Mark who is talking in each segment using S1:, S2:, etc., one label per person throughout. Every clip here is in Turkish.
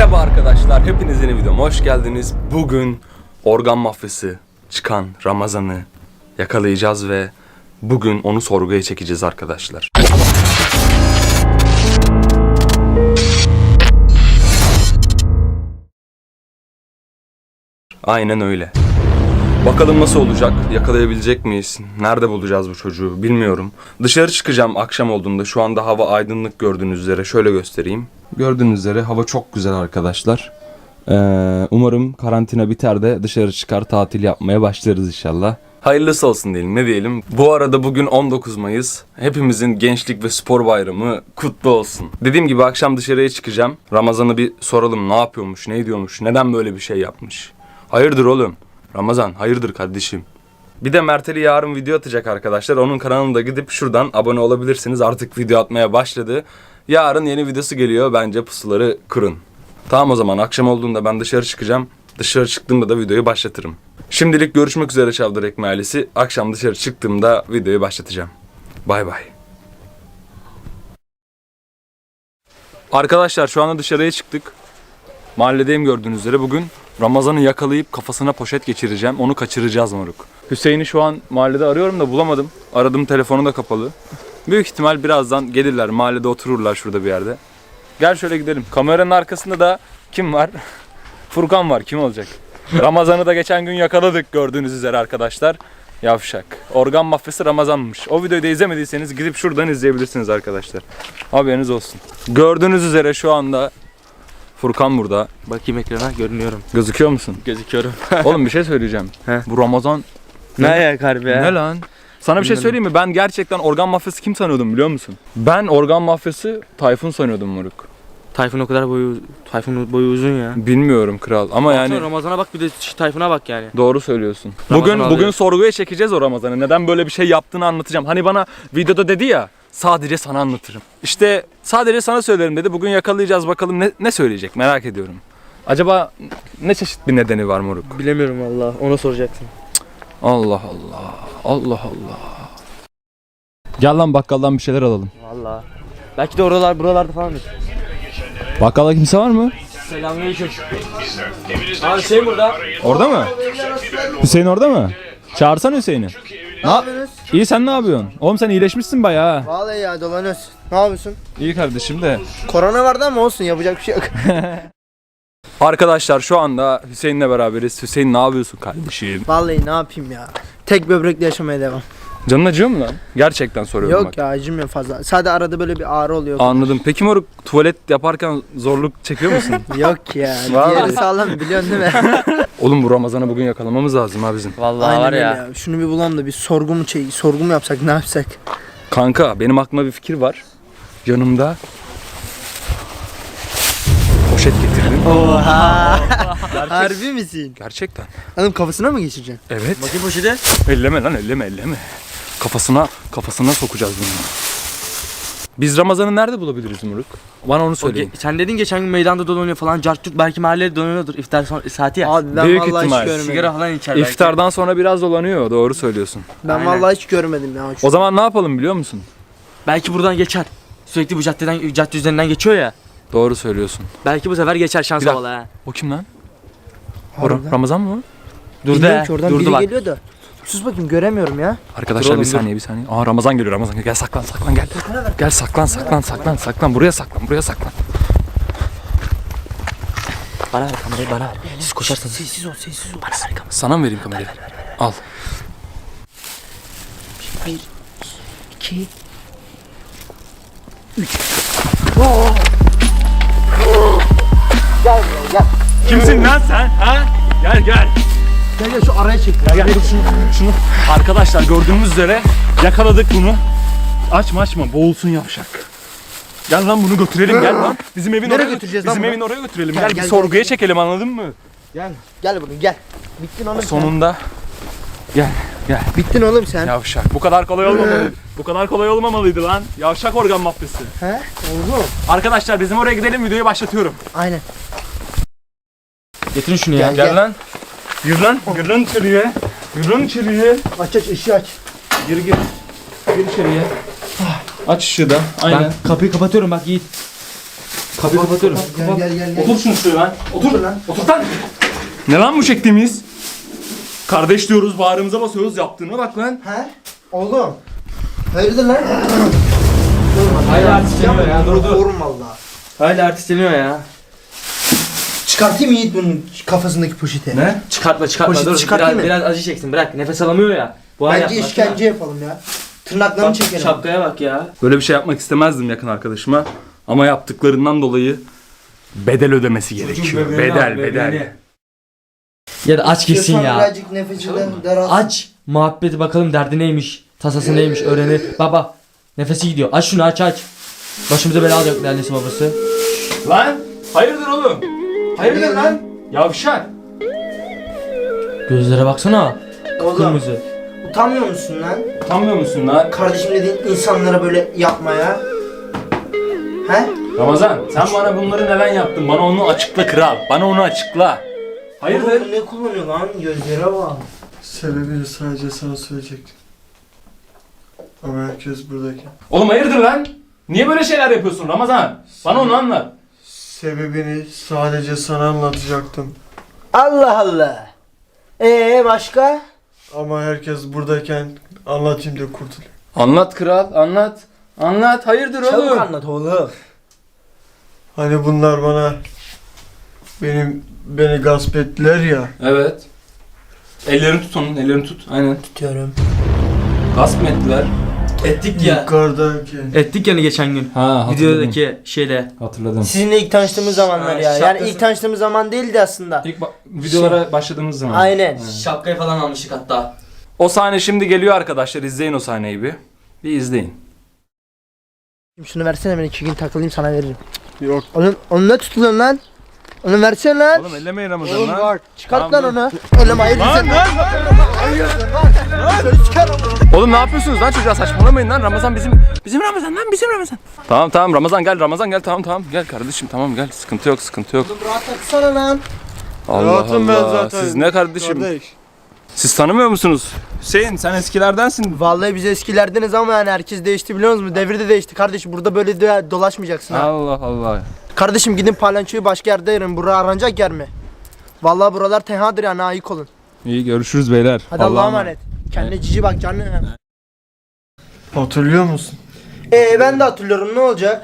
S1: Merhaba arkadaşlar, hepiniz yeni videoma hoş geldiniz. Bugün organ mafyası çıkan Ramazan'ı yakalayacağız ve bugün onu sorguya çekeceğiz arkadaşlar. Aynen öyle. Bakalım nasıl olacak, yakalayabilecek miyiz, nerede bulacağız bu çocuğu bilmiyorum. Dışarı çıkacağım akşam olduğunda, şu anda hava aydınlık gördüğünüz üzere, şöyle göstereyim. Gördüğünüz üzere hava çok güzel arkadaşlar. Umarım karantina biter de dışarı çıkar tatil yapmaya başlarız inşallah. Hayırlısı olsun diyelim, ne diyelim. Bu arada bugün 19 Mayıs. Hepimizin gençlik ve spor bayramı kutlu olsun. Dediğim gibi akşam dışarıya çıkacağım. Ramazan'ı bir soralım, ne yapıyormuş, ne ediyormuş, neden böyle bir şey yapmış. Hayırdır oğlum? Ramazan, hayırdır kardeşim? Bir de Mert'li yarın video atacak arkadaşlar. Onun kanalına da gidip şuradan abone olabilirsiniz. Artık video atmaya başladı. Yarın yeni videosu geliyor. Bence pusuları kurun. Tamam, o zaman akşam olduğunda ben dışarı çıkacağım. Dışarı çıktığımda da videoyu başlatırım. Şimdilik görüşmek üzere Çavdar Ekmeği ailesi. Akşam dışarı çıktığımda videoyu başlatacağım. Bay bay. Arkadaşlar şu anda dışarıya çıktık. Mahalledeyim gördüğünüz üzere. Bugün Ramazan'ı yakalayıp kafasına poşet geçireceğim. Onu kaçıracağız moruk. Hüseyin'i şu an mahallede arıyorum da bulamadım. Aradım, telefonu da kapalı. Büyük ihtimal birazdan gelirler. Mahallede otururlar şurada bir yerde. Gel şöyle gidelim. Kameranın arkasında da kim var? Furkan var. Kim olacak? Ramazan'ı da geçen gün yakaladık gördüğünüz üzere arkadaşlar. Yavşak. Organ mafyası Ramazan'mış. O videoyu da izlemediyseniz gidip şuradan izleyebilirsiniz arkadaşlar. Haberiniz olsun. Gördüğünüz üzere şu anda Furkan burada.
S2: Bakayım ekrana, görünüyorum.
S1: Gözüküyor musun?
S2: Gözüküyorum.
S1: Oğlum bir şey söyleyeceğim.
S2: He.
S1: Bu Ramazan
S2: Ne ayak harbi ya?
S1: ne lan? Sana bir şey söyleyeyim mi? Ben gerçekten organ mafyası kim sanıyordum biliyor musun? Ben organ mafyası Tayfun sanıyordum moruk.
S2: Tayfun o kadar Tayfun'un boyu uzun ya.
S1: Bilmiyorum kral ama
S2: Baksana,
S1: yani
S2: Ramazan'a bak, bir de Tayfun'a bak yani.
S1: doğru söylüyorsun.
S2: Ramazan
S1: Bugün
S2: alıyor.
S1: sorguya çekeceğiz o Ramazan'ı. Neden böyle bir şey yaptığını anlatacağım. Hani bana videoda dedi ya, sadece sana anlatırım. İşte sadece sana söylerim dedi. Bugün yakalayacağız, bakalım ne söyleyecek, merak ediyorum. Acaba ne çeşit bir nedeni var moruk?
S2: Bilemiyorum valla, ona soracaksın.
S1: Allah Allah. Allah Allah. Gel lan bakkaldan bir şeyler alalım.
S2: Valla. Belki de buralarda falandır.
S1: Bakkalda kimse var mı?
S2: Selamünaleyküm. Abi Hüseyin burada.
S1: Orada mı? Hüseyin orada mı? Çağırsana Hüseyin'i.
S3: Ne yapıyorsunuz?
S1: İyi, sen ne yapıyorsun? Oğlum sen iyileşmişsin bayağı.
S3: Vallahi ya, dolanıyoruz. Ne yapıyorsun?
S1: İyi kardeşim de.
S3: Korona vardı ama olsun, yapacak bir şey yok.
S1: Arkadaşlar şu anda Hüseyin'le beraberiz. Hüseyin ne yapıyorsun kardeşim?
S3: Vallahi ne yapayım ya. Tek böbrekle yaşamaya devam.
S1: Canın acıyor mu lan? Gerçekten soruyorum
S3: Yok
S1: bak.
S3: ya, acımıyor fazla. Sadece arada böyle bir ağrı oluyor.
S1: Anladım. Peki moruk, tuvalet yaparken zorluk çekiyor musun?
S3: Yok ya.
S1: Vallahi.
S3: Diğeri sağlam, biliyorsun değil mi?
S1: Oğlum bu Ramazan'ı bugün yakalamamız lazım ha bizim.
S2: Valla
S3: Aynen
S2: var
S3: öyle
S2: ya.
S3: ya. Şunu bir bulalım da bir sorgu mu yapsak, ne yapsak?
S1: Kanka benim aklıma bir fikir var. Yanımda poşet getirdim.
S3: Oha. Harbi misin?
S1: Gerçekten.
S3: Hanım kafasına mı geçireceksin?
S1: Evet.
S2: Bakayım poşete.
S1: Elleme lan, elleme. Kafasına sokacağız bunu. Biz Ramazan'ı nerede bulabiliriz Muruk? Bana onu söyleyin.
S2: Sen dedin geçen gün meydanda dolanıyor falan. Cartçuk belki mahallede dolanıyordur. İftar saati ya.
S3: Abi ben
S1: Büyük
S3: vallahi
S1: ihtimal.
S3: hiç görmedim.
S2: Sigara falan içer belki.
S1: İftardan sonra biraz dolanıyor, doğru söylüyorsun.
S3: Ben
S2: Aynen.
S3: vallahi hiç görmedim ya.
S1: O zaman ne yapalım biliyor musun?
S2: Belki buradan geçer. Sürekli bu cadde üzerinden geçiyor ya.
S1: Doğru söylüyorsun.
S2: Belki bu sefer geçer, şans
S1: Bir dakika.
S2: valla ha.
S1: O kim lan?
S3: Harbiden.
S1: Ramazan mı?
S2: Durdu
S3: Bilmiyorum
S2: ha.
S3: ki, oradan
S2: Durdu
S3: biri
S2: bak.
S3: geliyor da. Sus bakayım, göremiyorum ya.
S1: Arkadaşlar
S2: oğlum,
S1: bir saniye. Aa Ramazan geliyor, Ramazan geliyor. Gel saklan gel. Gel saklan. Buraya saklan.
S2: Bana ver kamerayı, bana ver. Siz koşarsanız.
S3: Sessiz ol.
S2: Bana ver kamerayı.
S1: Sana mı vereyim kamerayı? Al.
S3: 1, 2,
S1: Kimsin lan sen? Ha? Gel.
S3: Gel şu araya çek.
S1: Gel dur şunu. Arkadaşlar gördüğünüz üzere yakaladık bunu. Açma boğulsun yavşak. Gel lan bunu götürelim, gel lan. Bizim evin
S3: Nereye
S1: oraya
S3: götüreceğiz lan
S1: Bizim
S3: bunu?
S1: evin oraya götürelim.
S3: Gel,
S1: Gel, bir
S3: gel,
S1: sorguya
S3: gel.
S1: çekelim, anladın mı?
S3: Gel bunu, gel. Bittin oğlum sen.
S1: Sonunda. Gel.
S3: Bittin oğlum sen.
S1: Yavşak. Bu kadar kolay olmamalıydı lan. Yavşak organ mafyası.
S3: He? Oldu.
S1: Arkadaşlar bizim oraya gidelim, videoyu başlatıyorum.
S3: Aynen.
S2: Getirin şunu ya.
S3: Gel.
S1: Lan. Gir lan içeriye.
S3: Aç ışığı aç.
S1: Gir içeriye. Aç ışığı da. Aynen.
S2: Ben kapıyı kapatıyorum bak Yiğit. Kapıyı kapatıyorum.
S3: Gel.
S1: Otur şunu şuraya lan. Otur
S3: lan.
S1: Otur lan. Ne lan bu çektiğimiz? Kardeş diyoruz, bağrımıza basıyoruz. Yaptığına bak lan.
S3: He? Oğlum. Hayırdır lan?
S2: Hala artistleniyor ya. Dur.
S3: Korum valla.
S2: Hala artistleniyor ya.
S3: Çıkartayım Yiğit bunun kafasındaki poşeti.
S1: Ne?
S2: Çıkartma.
S3: Poşeti
S2: Dur.
S3: çıkartayım mı?
S2: Biraz acı çeksin. Bırak. Nefes alamıyor ya. Bu hal
S3: Bence
S2: yapma,
S3: işkence yapalım ya. Tırnaklarını
S2: Bak,
S3: çekelim.
S2: şapkaya bak ya.
S1: Böyle bir şey yapmak istemezdim yakın arkadaşıma. Ama yaptıklarından dolayı bedel ödemesi gerekiyor. Bedel.
S2: Ya da aç gitsin
S3: İstiyorsan
S2: ya.
S3: birazcık nefesinden daralsın.
S2: Aç. Muhabbeti bakalım derdi neymiş. Tasası neymiş öğrenir. Baba. Nefesi gidiyor. Aç şunu aç. Başımıza bela alacak annesi babası.
S1: Lan! Hayırdır oğlum? Hayırdır lan? Yavşak.
S2: Gözlere baksana.
S3: Oğlum
S2: Kırmızı.
S3: utanmıyor musun lan?
S1: Utanmıyor musun lan?
S3: Kardeşim dediğin insanlara böyle yapmaya. He?
S1: Ramazan, sen bana bunları neden yaptın? Bana onu açıkla kral. Bana onu açıkla. Hayırdır?
S3: Oğlum ne kullanıyor lan? Gözlere bak.
S4: Sebebini sadece sana söyleyecektim. Ama herkes buradayken.
S1: Oğlum hayırdır lan? Niye böyle şeyler yapıyorsun Ramazan? Bana onu anlat.
S4: Sebebini sadece sana anlatacaktım.
S3: Allah Allah. Başka?
S4: Ama herkes buradayken anlatayım diye kurtulayım.
S1: Anlat kral, anlat. Anlat, hayırdır
S3: Çabuk
S1: oğlum?
S3: anlat oğlum.
S4: Hani bunlar beni gasp ettiler ya.
S1: Evet. Ellerini tut onun, ellerini tut. Aynen.
S3: Tutuyorum.
S1: Gasp mı ettiler?
S2: Ettik ya.
S4: Yukarıdayken.
S2: Ettik yani geçen gün.
S1: Ha, hatırladım.
S2: Videodaki şeyle.
S1: Hatırladım.
S3: Sizinle ilk tanıştığımız zamanlar ya. Yani
S2: şapkası-
S3: ilk tanıştığımız zaman değildi aslında.
S1: İlk videolara başladığımız zaman.
S3: Aynen.
S2: Şapkayı falan almıştık hatta.
S1: O sahne şimdi geliyor arkadaşlar. İzleyin o sahneyi bir. Bir izleyin.
S3: Şunu versene, ben 2 gün takılayım sana veririm.
S4: Yok.
S3: Onu ne tutuyorsun lan? Onu versene lan.
S1: Oğlum ellemeyin Ramazan
S3: Oğlum
S1: lan.
S3: bak, çıkart
S1: Tamam,
S3: lan onu. Oğlum hayır
S1: Lan,
S3: sen.
S1: lan,
S3: Hayırdır lan? Söyle çıkar onu.
S1: Oğlum ne yapıyorsunuz lan çocuğa, saçmalamayın lan. Ramazan bizim Ramazan lan, bizim Ramazan. Tamam Ramazan gel tamam gel kardeşim, tamam gel, sıkıntı yok.
S3: Oğlum rahat taksana lan.
S1: Allah
S4: Rahatım ben
S1: Allah.
S4: zaten.
S1: Siz ne kardeşim?
S4: Kardeş.
S1: Siz tanımıyor musunuz? Hüseyin sen eskilerdensin.
S3: Vallahi biz eskilerdeniz ama yani herkes değişti biliyor musunuz? Devir de değişti kardeşim. Burada böyle de dolaşmayacaksın ha.
S1: Allah Allah.
S3: Kardeşim gidin palyaçoyu başka yerde yerin. Bura aranacak yer mi? Vallahi buralar tenhadır yani, ayık olun.
S1: İyi görüşürüz beyler.
S3: Hadi Allah'a emanet. Kendine cici bak canım.
S4: Hatırlıyor musun?
S3: Ben de hatırlıyorum, ne olacak?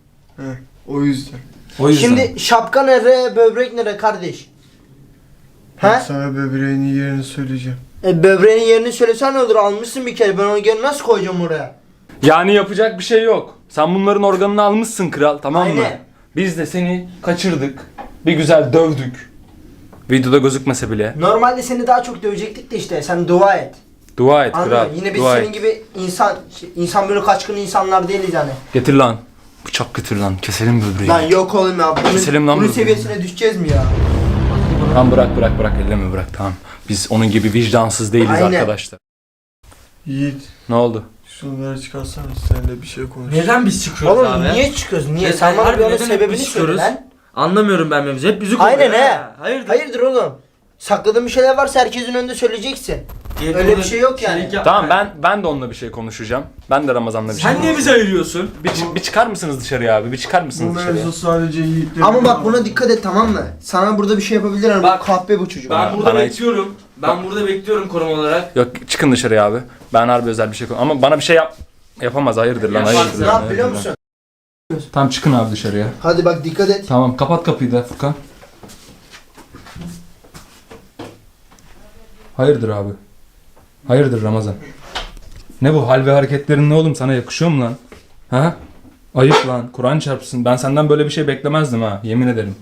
S4: O yüzden.
S1: O yüzden.
S3: Şimdi şapka nere, böbrek nere kardeş?
S4: Ben
S3: He?
S4: sana böbreğinin yerini söyleyeceğim.
S3: Böbreğin yerini söylesen ne olur, almışsın bir kere, ben onu geri nasıl koyacağım oraya?
S1: Yani yapacak bir şey yok. Sen bunların organını almışsın kral, tamam mı?
S3: Aynen.
S1: Biz de seni kaçırdık. Bir güzel dövdük. Videoda gözükmese bile.
S3: Normalde seni daha çok dövecektik de işte, sen dua et.
S1: Dua et
S3: Anladın mı?
S1: kral.
S3: Yine biz
S1: dua
S3: senin
S1: et.
S3: gibi insan böyle kaçkın insanlar değiliz yani.
S1: Getir lan. Bıçak getir lan. Keselim böbreği.
S3: Lan yok oğlum ya,
S1: Keselim lan
S3: bunun
S1: bunu.
S3: seviyesine düşeceğiz mi ya?
S1: Tamam bırak elleme bırak, tamam. Biz onun gibi vicdansız değiliz
S3: Aynen.
S1: arkadaşlar.
S4: Yiğit.
S1: Ne oldu?
S4: Şunları çıkarsana, seninle bir şey konuş.
S2: Neden biz çıkıyoruz
S3: Oğlum
S2: abi?
S3: niye çıkıyoruz? Niye?
S2: Ya
S3: Sen bana
S2: harbi
S3: bir onun
S2: neden hep
S3: sebebini
S2: biz
S3: söyle
S2: çıkıyoruz?
S3: lan.
S2: Anlamıyorum ben mevzu. Hep bizi
S3: Aynen
S2: kovuyor
S3: he.
S2: ha. Hayırdır?
S3: Hayırdır oğlum? Sakladığın bir şeyler varsa herkesin önünde söyleyeceksin. Öyle bir şey yok yani.
S2: Şeylik yapma.
S1: Tamam ben de onunla bir şey konuşacağım. Ben de Ramazan'la bir şey
S2: Sen niye bizi ayırıyorsun?
S1: Bir çıkar mısınız dışarıya abi? Bir çıkar
S4: Bu
S1: mısınız dışarıya?
S4: mevzu sadece Yiğit'le.
S3: Ama bak buna dikkat et, tamam mı? Sana burada bir şey yapabilir ama
S2: Bak,
S3: kahpe bu çocuk.
S2: Ben burada
S1: Bana hiç-
S2: bekliyorum. Ben burada bekliyorum koruma olarak.
S1: Yok çıkın dışarıya abi. Ben harbi özel bir şey ama bana bir şey yapamaz, hayırdır lan,
S2: Yapmaz.
S1: hayırdır
S3: Ne
S1: lan,
S3: yap biliyor
S1: hayırdır lan.
S3: musun?
S1: Tamam çıkın abi dışarıya.
S3: Hadi bak dikkat et.
S1: Tamam kapat kapıyı da Furkan. Hayırdır abi? Hayırdır Ramazan? Ne bu hal ve hareketlerin, ne oğlum, sana yakışıyor mu lan? Ha? Ayıp lan, Kur'an çarpsın. Ben senden böyle bir şey beklemezdim ha, yemin ederim.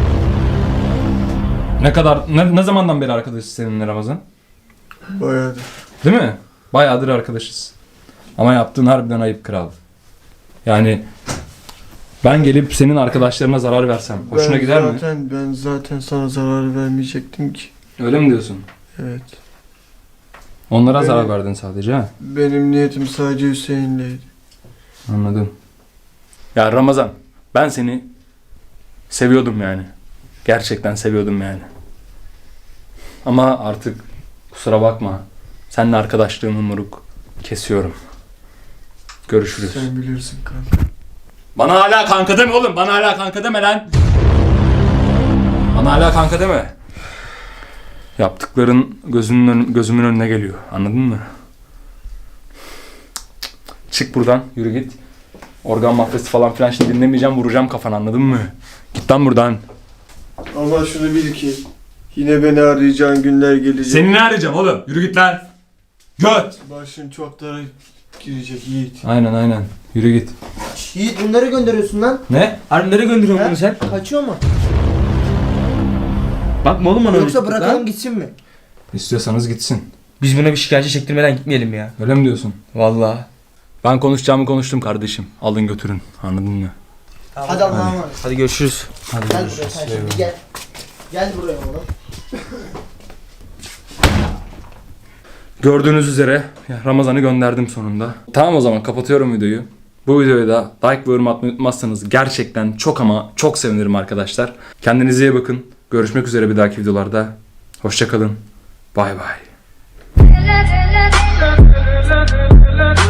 S1: Ne zamandan beri arkadaşız seninle Ramazan?
S4: Bayağıdır.
S1: Değil mi? Bayağıdır arkadaşız. Ama yaptığın harbiden ayıp kral. Yani ben gelip senin arkadaşlarına zarar versem hoşuna gider mi?
S4: Ben zaten sana zarar vermeyecektim ki.
S1: Öyle mi diyorsun?
S4: Evet.
S1: Onlara
S4: Öyle.
S1: zarar verdin sadece ha?
S4: Benim niyetim sadece Hüseyin'leydi.
S1: Anladım. Ya Ramazan, ben seni seviyordum yani. Gerçekten seviyordum yani. Ama artık kusura bakma. Seninle arkadaşlığımı moruk kesiyorum. Görüşürüz.
S4: Sen bilirsin kanka.
S1: Bana hala kanka deme oğlum. Bana hala kanka deme lan. Bana hala kanka deme. Yaptıkların gözümün önüne geliyor. Anladın mı? Çık buradan. Yürü git. Organ mafyası falan filan şimdi dinlemeyeceğim. Vuracağım kafana, anladın mı? Git lan buradan.
S4: Ama şunu bil ki yine beni arayacağın günler gelecek.
S1: Seni ne arayacağım oğlum? Yürü git lan. Göt.
S4: Başın çok dara girecek Yiğit.
S1: Aynen. Yürü git.
S3: Yiğit bunları gönderiyorsun lan.
S2: Ne? Harbi nereye gönderiyorsun bunu sen?
S3: Kaçıyor mu?
S2: Bakma oğlum bana
S3: Yoksa
S2: öyle.
S3: bırakalım
S2: Lan.
S3: gitsin mi?
S1: İstiyorsanız gitsin.
S2: Biz buna bir şikayetçi çektirmeden gitmeyelim ya.
S1: Öyle mi diyorsun?
S2: Vallahi.
S1: Ben konuşacağımı konuştum kardeşim. Alın götürün. Anladın mı?
S3: Hadi Allah'a emanet.
S2: Hadi görüşürüz.
S1: Hadi
S3: Gel buraya sen şimdi gel. Gel buraya oğlum.
S1: Gördüğünüz üzere Ramazan'ı gönderdim sonunda. Tamam, o zaman kapatıyorum videoyu. Bu videoya da like ve yorum atmayı unutmazsanız gerçekten çok ama çok sevinirim arkadaşlar. Kendinize iyi bakın. Görüşmek üzere bir dahaki videolarda. Hoşça kalın. Bay bay.
S5: la la la la la la la